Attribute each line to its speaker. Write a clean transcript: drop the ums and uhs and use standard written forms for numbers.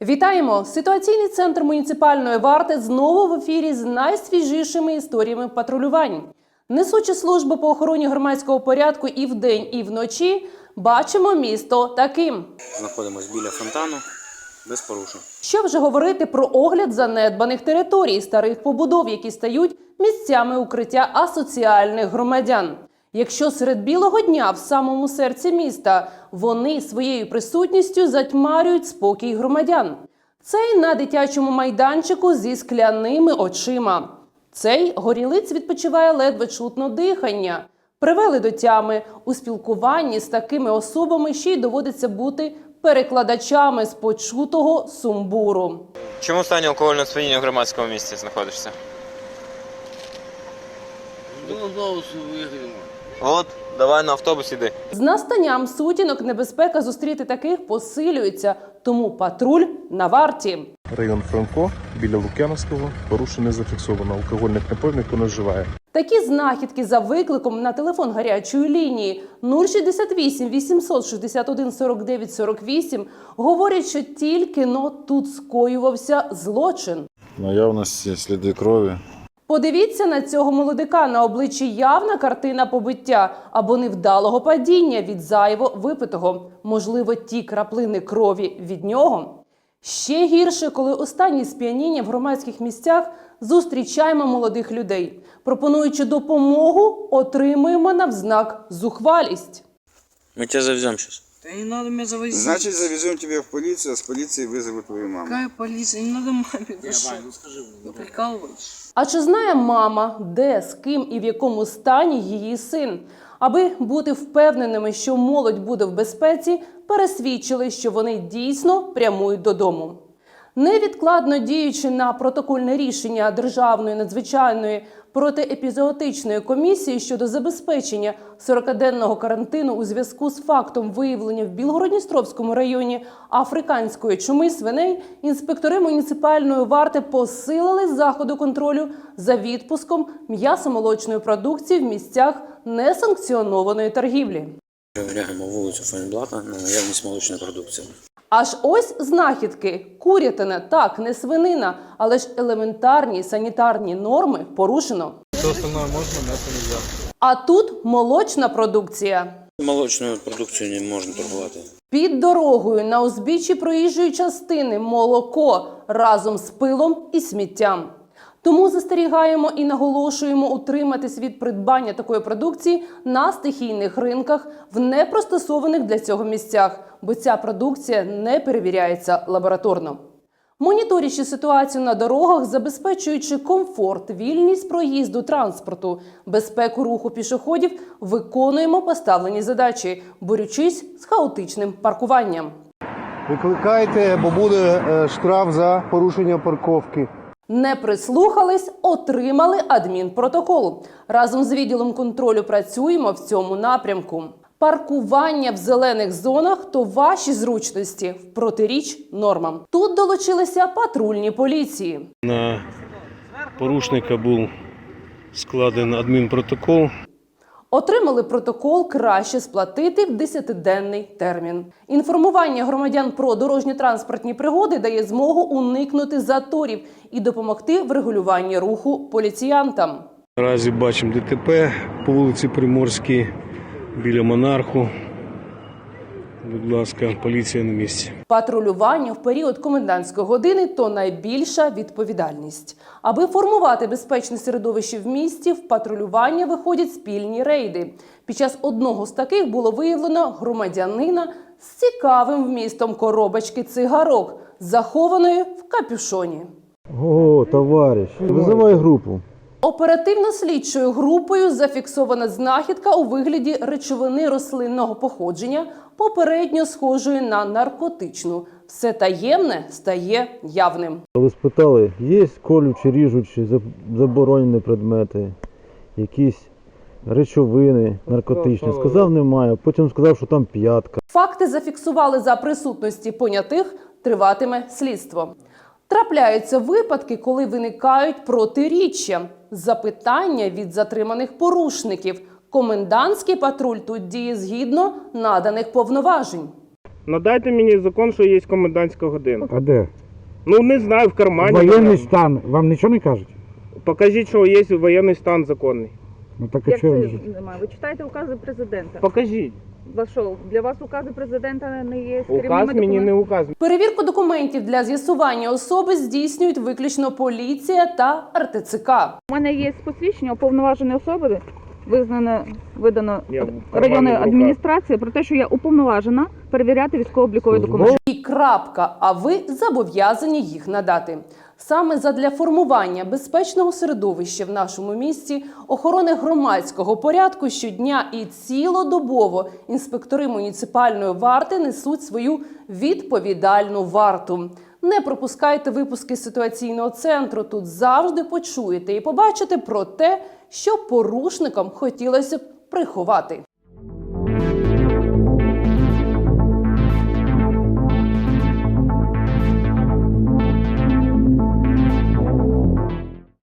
Speaker 1: Вітаємо! Ситуаційний центр муніципальної варти знову в ефірі з найсвіжішими історіями патрулювань. Несучи службу по охороні громадського порядку і вдень, і вночі, бачимо місто таким.
Speaker 2: Знаходимося біля фонтану, без порушень.
Speaker 1: Що вже говорити про огляд занедбаних територій, старих побудов, які стають місцями укриття асоціальних громадян. Якщо серед білого дня в самому серці міста вони своєю присутністю затьмарюють спокій громадян. Цей на дитячому майданчику зі скляними очима. Цей горілиць відпочиває ледве чутно дихання. Привели до тями. У спілкуванні з такими особами ще й доводиться бути перекладачами з почутого сумбуру.
Speaker 2: Чому в стані алкогольного сп'яніння в громадському місці знаходишся? От, давай на автобус іди.
Speaker 1: З настанням сутінок небезпека зустріти таких посилюється, тому патруль на варті.
Speaker 3: Район Франко, біля Лук'яновського, порушень не зафіксовано. Алкогольних напоїв ніхто не вживає.
Speaker 1: Такі знахідки за викликом на телефон гарячої лінії 068 861 49 48 говорять, що тільки-но тут скоювався злочин.
Speaker 4: Наявності сліди крові.
Speaker 1: Подивіться на цього молодика. На обличчі явна картина побиття або невдалого падіння від зайво випитого. Можливо, ті краплини крові від нього. Ще гірше, коли останні сп'яніння в громадських місцях зустрічаємо молодих людей. Пропонуючи допомогу, отримуємо навзнак зухвалість.
Speaker 2: Ми тебе завеземо зараз.
Speaker 5: Да не надо меня завозить.
Speaker 6: Значит, завезем тебя в полицию, а с полиции вызовут твою маму.
Speaker 5: Какая полиция? Не надо маме. Ты что? Вы прикалываетесь?
Speaker 1: А чи знає мама, де, з ким і в якому стані її син? Аби бути впевненими, що молодь буде в безпеці, пересвідчили, що вони дійсно прямують додому. Невідкладно діючи на протокольне рішення Державної надзвичайної протиепізоотичної комісії щодо забезпечення 40-денного карантину у зв'язку з фактом виявлення в Білгород-Дністровському районі африканської чуми свиней, інспектори муніципальної варти посилили заходи контролю за відпуском м'ясомолочної продукції в місцях несанкціонованої торгівлі.
Speaker 2: Перевіряємо вулицю Фейнблата на наявність молочної продукції.
Speaker 1: Аж ось знахідки. Курятина, так, не свинина, але ж елементарні санітарні норми порушено.
Speaker 3: Все остальное можна, м'ясо нельзя.
Speaker 1: А тут молочна продукція.
Speaker 2: Молочною продукцією не можна торгувати.
Speaker 1: Під дорогою на узбіччі проїжджої частини молоко разом з пилом і сміттям. Тому застерігаємо і наголошуємо утриматись від придбання такої продукції на стихійних ринках в непристосованих для цього місцях, бо ця продукція не перевіряється лабораторно. Моніторячи ситуацію на дорогах, забезпечуючи комфорт, вільність проїзду транспорту, безпеку руху пішоходів, виконуємо поставлені задачі, борючись з хаотичним паркуванням.
Speaker 7: Викликайте, бо буде штраф за порушення парковки.
Speaker 1: Не прислухались – отримали адмінпротокол. Разом з відділом контролю працюємо в цьому напрямку. Паркування в зелених зонах – то ваші зручності в протиріч нормам. Тут долучилися патрульні поліції.
Speaker 8: На порушника був складений адмінпротокол.
Speaker 1: Отримали протокол краще сплатити в 10-денний термін. Інформування громадян про дорожньо-транспортні пригоди дає змогу уникнути заторів і допомогти в регулюванні руху поліціянтам.
Speaker 8: Наразі бачимо ДТП по вулиці Приморській біля Монарху. Будь ласка, поліція на місці.
Speaker 1: Патрулювання в період комендантської години – то найбільша відповідальність. Аби формувати безпечне середовище в місті, в патрулювання виходять спільні рейди. Під час одного з таких було виявлено громадянина з цікавим вмістом коробочки цигарок, захованої в капюшоні.
Speaker 7: О, товариш, визивай групу.
Speaker 1: Оперативно-слідчою групою зафіксована знахідка у вигляді речовини рослинного походження, попередньо схожої на наркотичну. Все таємне стає явним.
Speaker 7: Ви спитали, є колючі, ріжучі, заборонені предмети, якісь речовини наркотичні. Сказав, немає, потім сказав, що там п'ятка.
Speaker 1: Факти зафіксували за присутності понятих, триватиме слідство. Трапляються випадки, коли виникають протиріччя, запитання від затриманих порушників. Комендантський патруль тут діє згідно наданих повноважень.
Speaker 9: Надайте мені закон, що є комендантська година.
Speaker 10: А де?
Speaker 9: Ну не знаю, в кармані.
Speaker 10: Воєнний
Speaker 9: напевно.
Speaker 10: стан. Вам нічого не кажуть?
Speaker 9: Покажіть, що є воєнний стан законний.
Speaker 10: Ну так а
Speaker 5: Як
Speaker 10: чого?
Speaker 5: це немає? Ви читаєте укази президента?
Speaker 9: Покажіть.
Speaker 5: Що, для вас укази президента не є
Speaker 9: Указ
Speaker 5: керівними
Speaker 9: мені не
Speaker 5: документами?
Speaker 9: указ.
Speaker 1: Перевірку документів для з'ясування особи здійснюють виключно поліція та РТЦК.
Speaker 5: У мене є посвідчення уповноваженої особи, видано
Speaker 9: Я в кармані
Speaker 5: районною
Speaker 9: в руках.
Speaker 5: адміністрацією про те, що я уповноважена перевіряти військово-облікові документи.
Speaker 1: І крапка, а ви зобов'язані їх надати. Саме задля формування безпечного середовища в нашому місті, охорони громадського порядку щодня і цілодобово інспектори муніципальної варти несуть свою відповідальну варту. Не пропускайте випуски ситуаційного центру. Тут завжди почуєте і побачите про те, що порушникам хотілося б приховати.